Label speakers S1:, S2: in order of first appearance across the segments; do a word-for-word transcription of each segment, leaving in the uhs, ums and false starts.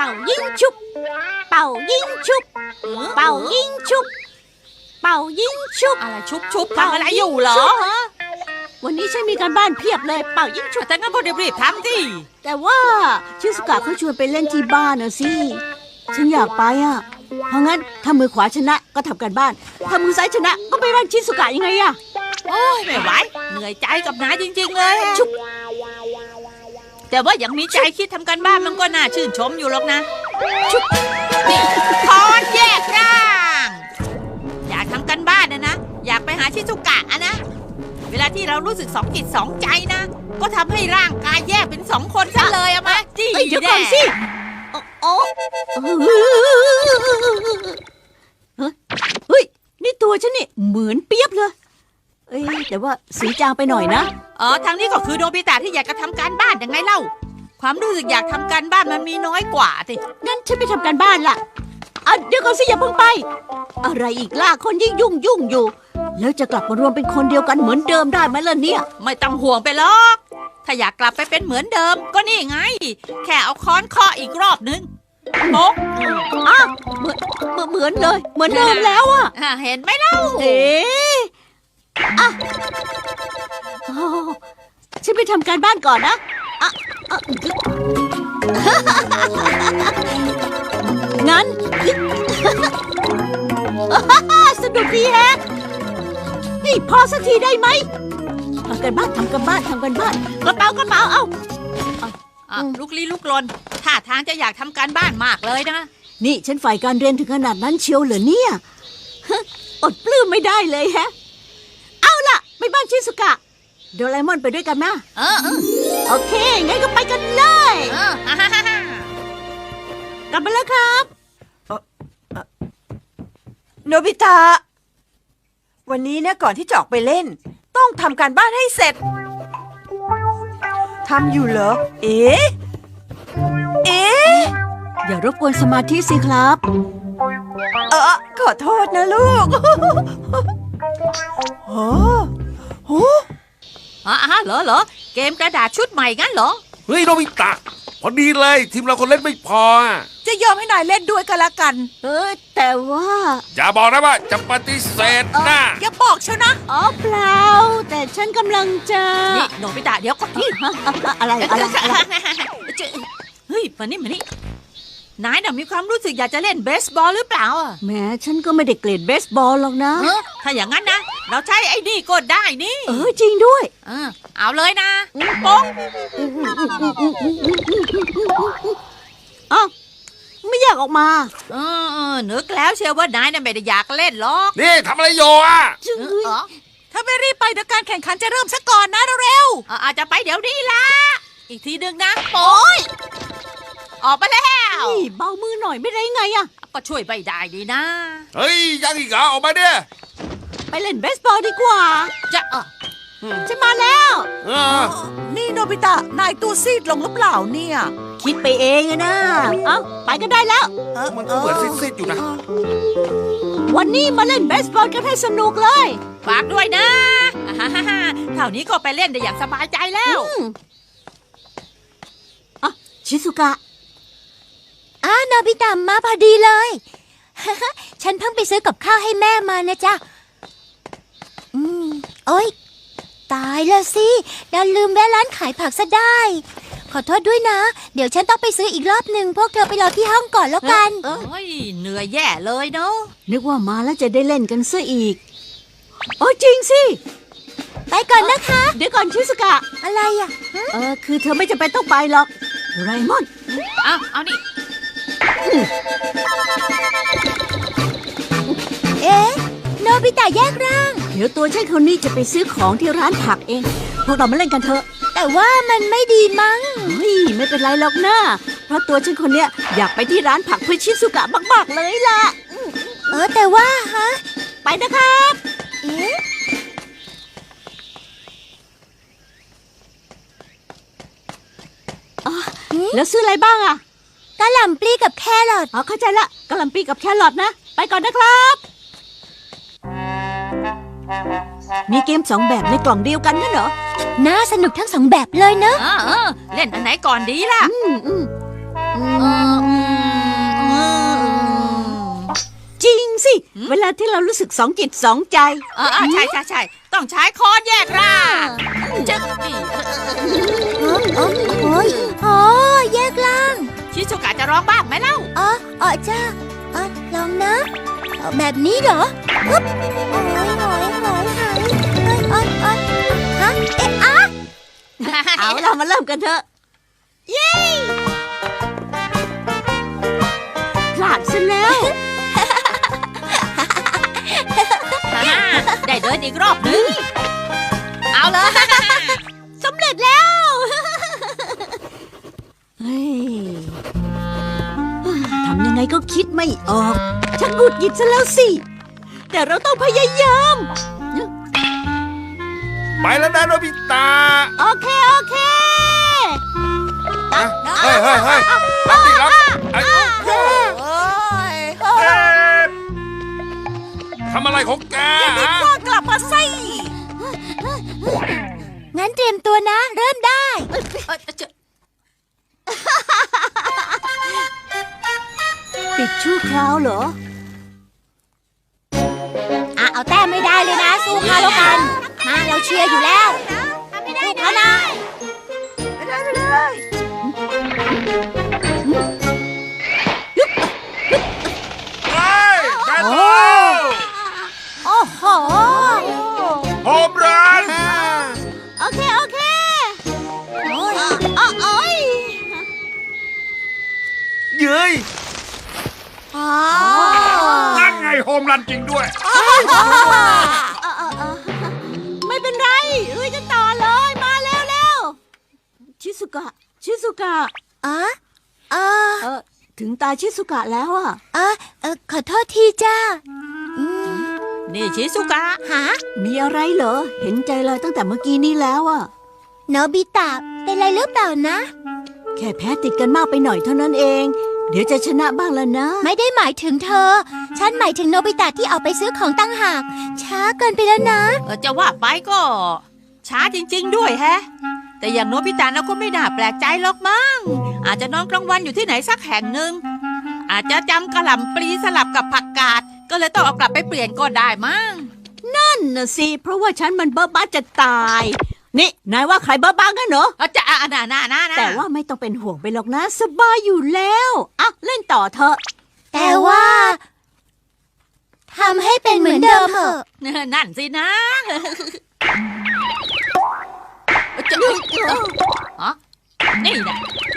S1: ป่ายิงชุบเป่ายิงชุบเป่ายิงชุบเป่ายิงชุบ
S2: อะไรชุบชุบทำอะไรอยู่เหรอ
S1: วันนี้ฉันมีการบ้านเพียบเลยเป่ายิงชุบ
S2: แต่งั้นพอรีบๆทำสิ
S1: แต่ว่าชิสุกะเขาชวนไปเล่นที่บ้านนะสิฉันอยากไปอ่ะเพราะงั้นถ้ามือขวาชนะก็ทำการบ้านถ้ามือซ้ายชนะก็ไปบ้านชิสุกะยังไงอ่ะ
S2: โอ้ยไม่ไหวเหนื่อยใจกับนายจริงๆเลย
S1: ชุบ
S2: แต่ว่ายังมีใจคิดทำการบ้านมันก็น่าชื่นชมอยู่หรอกนะชุบนี่ถอนแยกร่างอยากทำการบ้านนะนะอยากไปหาชิซุกะอะนะเวลาที่เรารู้สึกสองจิตสองใจนะก็ทำให้ร่างกายแยกเป็นสองคนซะเลยอะมาจี้
S1: เดี๋ยวก่อนสิโอ้เฮ้ยนี่ตัวฉันนี่เหมือนเปียบเลยเอ้ยแต่ว่าสีจางไปหน่อยนะ
S2: อ๋อทางนี้ก็คือโนบิตะที่อยากจะทำการบ้านยังไงเล่าความรู้สึกอยากทำการบ้านมันมีน้อยกว่าสิ
S1: งั้นฉันไปทำการบ้านล่ะอ่ะเดี๋ยวก่อนสิอย่าเพิ่งไปอะไรอีกล่ะคนยิ่งยุ่งยุ่งอยู่แล้วจะกลับมารวมเป็นคนเดียวกันเหมือนเดิมได้ไหมล่ะเนี่ย
S2: ไม่ต้องห่วงไปหรอกถ้าอยากกลับไปเป็นเหมือนเดิมก็นี่ไงแค่เอาค้อนเคาะอีกรอบนึงโป๊ก
S1: อ้าวเหมือนเหมือนเลยเหมือนเดิมแล้วอ่ะ
S2: เห็นไหมเล่า
S1: เอ๊ะอ่ะฉันไปทำการบ้านก่อนนะอ่ะงั้นสนุกดีแฮะนี่พอสักทีได้ไหมทำกันบ้านทำกันบ้านทำกันบ้านกระเป๋ากระเป๋าเอา
S2: ลุกลี้ลุกลนท่าทางจะอยากทำการบ้านมากเลยนะ
S1: นี่ฉันฝ่ายการเรียนถึงขนาดนั้นเชียวเหรอเนี่ยอดปลื้มไม่ได้เลยแฮะเอาล่ะไปบ้านชิซุกะโดราเอมอนไปด้วยกันนะ
S2: เออ
S1: โอเคงั้นก็ไปกันเลยกลับมาแล้วครับ
S3: โนบิตะวันนี้นะก่อนที่จะออกไปเล่นต้องทำการบ้านให้เสร็จทำอยู่เหรอเอ๊ะเอ๊ะ
S1: อย่ารบกวนสมาธิสิครับ
S3: เออขอโทษนะลูกโอ้โห
S2: อ๋อเหรอเหรอเกมกระดาษชุดใหม่งั้นเหรอ
S4: เฮ้ยโนบิตะพอดีเลยทีมเราคนเล่นไม่พอ
S3: จะยอมให้นายเล่นด้วยกันละกัน
S1: เออแต่ว่า
S4: อย่าบอกนะว่าจะปฏิเสธนะ
S3: อย่าบอกเชียวนะ
S1: อ๋อเปล่าแต่ฉันกำลังจะ
S2: นี่โนบิตะเดี๋ยวก่อน
S1: อะไรอะไร
S2: เฮ้ยมานี่มานี่นายน่ะมีความรู้สึกอยากจะเล่นเบสบอลหรือเปล่าอ่ะ
S1: แม้ฉันก็ไม่ได้เกลียดเบสบอลหรอกนะ
S2: ถ้าอย่างนั้นนะเราใช้ไอ้นี่ก็ได้นี่
S1: เออจริงด้วย
S2: เออเอาเลยนะป๊ง
S1: อ้าวไม่อยากออกมา
S2: เออนึกแล้วเชียวว่านายน่ะไม่ได้อยากเล่นหรอก
S4: นี่ทำอะไรอยู่อ่ะ
S3: ถ้าไม่รีบไปเดี๋ยวการแข่งขันจะเริ่มซะก่อนนะเร็ว
S2: ๆอาจจะไปเดี๋ยวนี้ละอีกทีนึงนะโป๊ยออกไปแล้ว
S1: นี่เบามือหน่อยไม่ได้ไงอะ
S2: ก็ช่วยไม่ได้ดีนะ
S4: เฮ้ยยังอีกเหรอออกมาเนี่ย
S1: ไปเล่นเบสบอลดีกว่า
S2: จะเออ
S1: ฉันมาแล้ว
S3: นี่โนบิตะนายตัวซีดลงหรือเปล่าเนี่ย
S1: คิดไปเองนะเอ้าไปก็ได้แล้ว
S4: มันก็เหมือนซีดๆอยู่นะ
S1: วันนี้มาเล่นเบสบอลกันให้สนุกเลย
S2: ฝากด้วยนะเท่านี้ก็ไปเล่นได้อย่างสบายใจแล้ว
S1: อ่ะชิซุกะ
S5: อ้าโนบิตะมาพอดีเลยฉันเพิ่งไปซื้อกับข้าวให้แม่มานะจ๊ะอืมโอ๊ยตายแล้วสิดันลืมแวะร้านขายผักซะได้ขอโทษด้วยนะเดี๋ยวฉันต้องไปซื้ออีกรอบหนึ่งพวกเธอไปรอที่ห้องก่อนแล้วกัน
S2: โอ้ยเหนื่อยแย่เลยเนาะ
S1: นึกว่ามาแล้วจะได้เล่นกันซะอีกโอ้จริงสิ
S5: ไปก่อนนะคะ
S1: เดี๋ยวก่อนชิซุกะ
S5: อะไรอ่ะ
S1: เออคือเธอไม่จำเป็นต้องไปหรอกโดราเอมอน
S2: อ้าวเอานี่
S5: เอ๊ะโนบิตะแยกร่าง
S1: เดี๋ยวตัวฉันคนนี้จะไปซื้อของที่ร้านผักเองพวกเรามาเล่นกันเถอะ
S5: แต่ว่ามันไม่ดีมั้ง
S1: เฮ้ยไม่เป็นไรหรอกนะเพราะตัวฉันคนเนี้ยอยากไปที่ร้านผักเพื่อชิซุกะมากๆเลยล่ะ
S5: เออแต่ว่าฮะ
S1: ไปนะครับ
S5: เอ๊ะ
S1: แล้วซื้ออะไรบ้างอะ
S5: กะหล่ำปลีกับแครอท
S1: อ๋อเข้าใจละกะหล่ำปลีกับแครอทนะไปก่อนนะครับมีเกมสองแบบในกล่องเดียวกันนั่นเหรอ
S5: น่าสนุกทั้งสองแบบเลยเนอะ
S2: เออเล่นอันไหนก่อนดีล่ะ
S1: อืมอืม
S2: อืม
S1: สิ เวลาที่เรารู้สึกสองจิตสองใจ
S2: เออเออใช่ใช่ใช่ต้องใช้ค้อนแยกร่างจะนี่
S5: โอ้โอ้โอ้ยโอ้แยกล่าง
S2: ชิซุกะจะร้องบ้างไหมเล่า
S5: อ๋ออ๋อจ้าอ๋อลองนะเอาแบบนี้เหรอปึ๊บโอ้ยโอ้ยโอ้ยหายเอ้ยเอ้ยเอ้ยฮะเอ๊ะอะ
S1: เอาเรามาเริ่มกันเถอะ เย้พลาดซะแล้ว
S2: ฮ่าได้เดินอีกรอบหนึงเอาเลย
S1: สำเร็จแล้ว เฮ้ยทำยังไงก็คิดไม่ออก ฉันหงุดหงิดซะแล้วสิ แต่เราต้องพยายาม
S4: ไปแล้วนะโนบิตะ
S1: โอเค โอเค
S4: นะเฮ้ยเฮ้ยเฮ้ยรับดิรับไอ้
S3: โอ้ย
S4: เอ๊ะทำอะไรของแกฮะ
S3: กลับมาสิ
S5: งั้นเตรียมตัวนะ เริ่มได้
S2: เออจะ
S1: ปิดชั่วคราวเหรอ
S5: อ่ะเอาแต้มไม่ได้เลยนะ สู้เขาแล้วกัน มาเราเชียร์อยู่แล้วสู้เขานะ
S4: เฮ้ยแบนโบ
S5: โอ้โห
S4: โฮมรัน
S1: โอเค โอเค
S5: โอ้ย
S1: อ๋อโอ้ย
S4: เย้ย
S5: อ๋อ
S4: นั่นไงโฮมรันจริงด้วย
S1: ไม่เป็นไรลุยกันต่อเลย มาเร็วเร็วชิสุกะ ชิสุกะ
S5: อ๋ออ๋อ
S1: เออ ถึงตาชิสุกะแล้วอ่ะ
S5: อ๋อเออขอโทษทีจ้าอืม
S2: นี่ชิซุกะ
S5: หา
S1: มีอะไรเหรอ เห็นใจเลยตั้งแต่เมื่อกี้นี้แล้วอ่ะ
S5: โนบิตะเป็นไรหรือเปล่านะ
S1: แค่แพ้ติดกันมากไปหน่อยเท่านั้นเอง เดี๋ยวจะชนะบ้างแล้วนะ
S5: ไม่ได้หมายถึงเธอ ฉันหมายถึงโนบิตะที่ออกไปซื้อของตั้งหาก ช้าเกินไปแล้วนะ
S2: เออจะว่าไปก็ ช้าจริง ๆ ด้วยแฮะ แต่อย่างโนบิตะนะก็ไม่น่าแปลกใจหรอกมั้งอาจจะนอนกลางวันอยู่ที่ไหนสักแห่งหนึ่งอาจจะจำกระหล่ำปลีสลับกับผักกาดก็เลยต้องเอากลับไปเปลี่ยนก็ได้มั้ง
S1: นั่นน่ะสิ เพราะว่าฉันมันเบ้อบ้าจะตาย นี่ นายว่าใครเบ้อบ้ากันเหรอ
S2: เอาจะอ่ะน่าน่าน่าน่า
S1: แต่ว่าไม่ต้องเป็นห่วงไปหรอกนะ สบายอยู่แล้วอ่ะเล่นต่อเถอะ
S5: แต่ว่าทำให้เป็นเหมือนเดิมเถอะ
S2: นั่นสินะจะอ๋อนี่นะ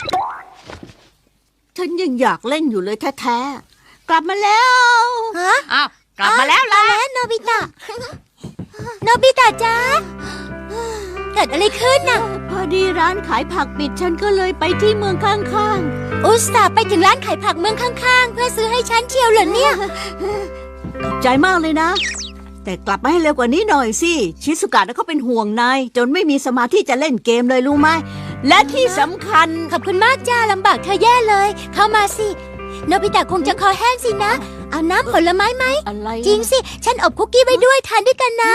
S1: ฉันยังอยากเล่นอยู่เลยแท้ๆ กลับมาแล้ว
S5: ฮะ
S2: อ้าวกลับมาแล้ว
S5: มา
S2: ล่ะ
S5: แล้วโนบิตะ โนบิตะจ้าเกิดอะไรขึ้นน่ะ
S1: พอดีร้านขายผักปิดฉันก็เลยไปที่เมืองข้าง
S5: อุตส่าห์ไปถึงร้านขายผักเมืองข้างๆ เพื่อซื้อให้ฉันเชียวเหรอเนี่ย
S1: ๆ ขอบใจมากเลยนะ แต่กลับมาให้เร็วกว่านี้หน่อยสิ ชิสุกะนะเขาเป็นห่วงนายจนไม่มีสมาธิจะเล่นเกมเลยรู้ไหม และที่สำคัญ
S5: ขอบคุณมากจ้าลำบากเธอแย่เลย เข้ามาสิ โนบิตะคงจะคอแห้งสินะ เอาน้ำผลไม้ไหม
S1: อะไร
S5: จริงสิ ฉันอบคุกกี้ไว้ด้วยทานด้วยกันนะ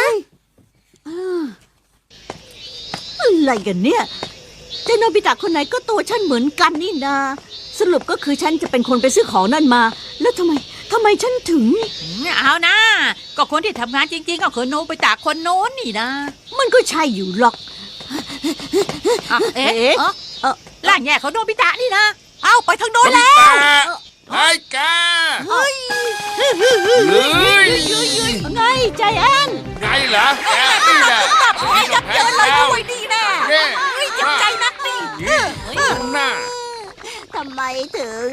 S1: อะไรกันเนี่ยเจ้าโนบิตะคนไหนก็ตัวฉันเหมือนกันนี่นา สรุปก็คือฉันจะเป็นคนไปซื้อของนั่นมา แล้วทำไมทำไมฉันถึง
S2: เอานะ ก็คนที่ทำงานจริงๆก็คือโนบิตะคนโน้นนี่นะ
S1: มันก็ใช่อยู่หรอก
S2: อ่ะเอ๊ะ
S1: เอ๊ะ
S2: เอ๊ะ
S1: เอ่อ
S2: ร่างแย่ของโนบิตะนี่นะ
S3: เอาไปทางโน้น
S4: โนบิ
S3: แล้ว
S4: ตะไอ้แกเฮ้ย
S1: ไงใจแอน
S4: ไงเหรอแกนี่แหละ
S3: โอ้ยยับเยินเลยด้วยดีแน่
S4: เน่
S3: เฮ้ยเจ็บใจนักนี่
S4: นั่นน่ะ
S1: ทำไมถึง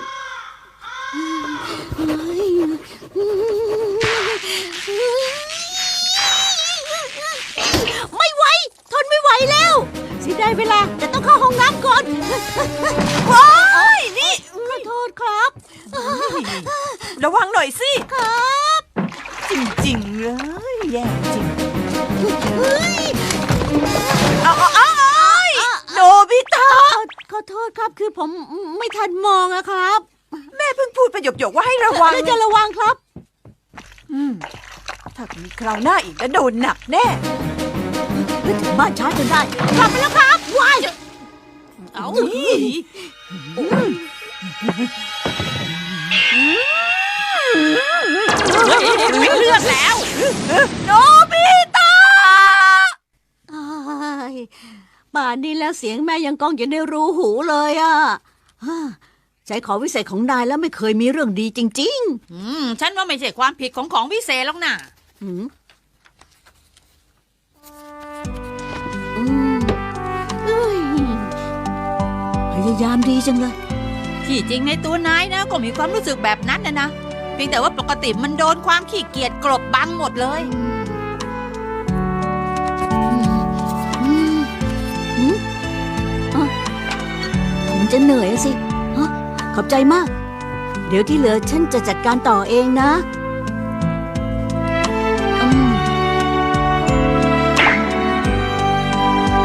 S1: ไม่ไหว ทนไม่ไหวแล้วสิได้เวลาจะต้องเข้าห้องน้ำก่อน
S3: ว้ายนี่
S1: ขอโทษครับ
S3: ระวังหน่อยสิ
S1: ครับ
S3: จริงๆเลย แย่จริง
S1: เฮ้ย
S3: เอาเอาเอาโนบิตะ
S1: ขอขอโทษครับ คือผมไม่ทันมองอะครับ
S3: แม่เพิ่งพูดประโยคๆว่าให้ระวัง
S1: แล้วจะระวังครับ
S3: อืมถ้ามีคราวหน้าอีกแล้วโดนหนักแน่
S1: ถึงบ้านช้าจนได้ กลับไปแล้วครับวาย
S2: เอา
S1: ฉโนบิตะอ้ายป่านนี้แล้วเสียงแม่ยังก้องอยู่ในรูหูเลยอ่ะฮ่าใช้ของวิเศษของนายแล้วไม่เคยมีเรื่องดีจริง
S2: อืม ฉันว่าไม่ใช่ความผิดของของวิเศษหรอกนะ
S1: ๆหืมอืมเอ้ยพยายามดีจังเลย
S2: ที่จริงในตัวนายนะก็มีความรู้สึกแบบนั้นนะนะเพียงแต่ว่าปกติมันโดนความขี้เกียจกลบบังหมดเลย
S1: อืมอืมอ่ะคงจะเหนื่อยอะสิฮะขอบใจมาก เดี๋ยวที่เหลือฉันจะจัดการต่อเองนะอืม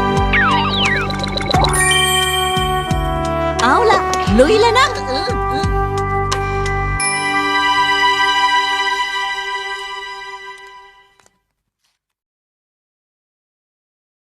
S1: เอาล่ะ ลุยแล้วนะ
S2: เออเออ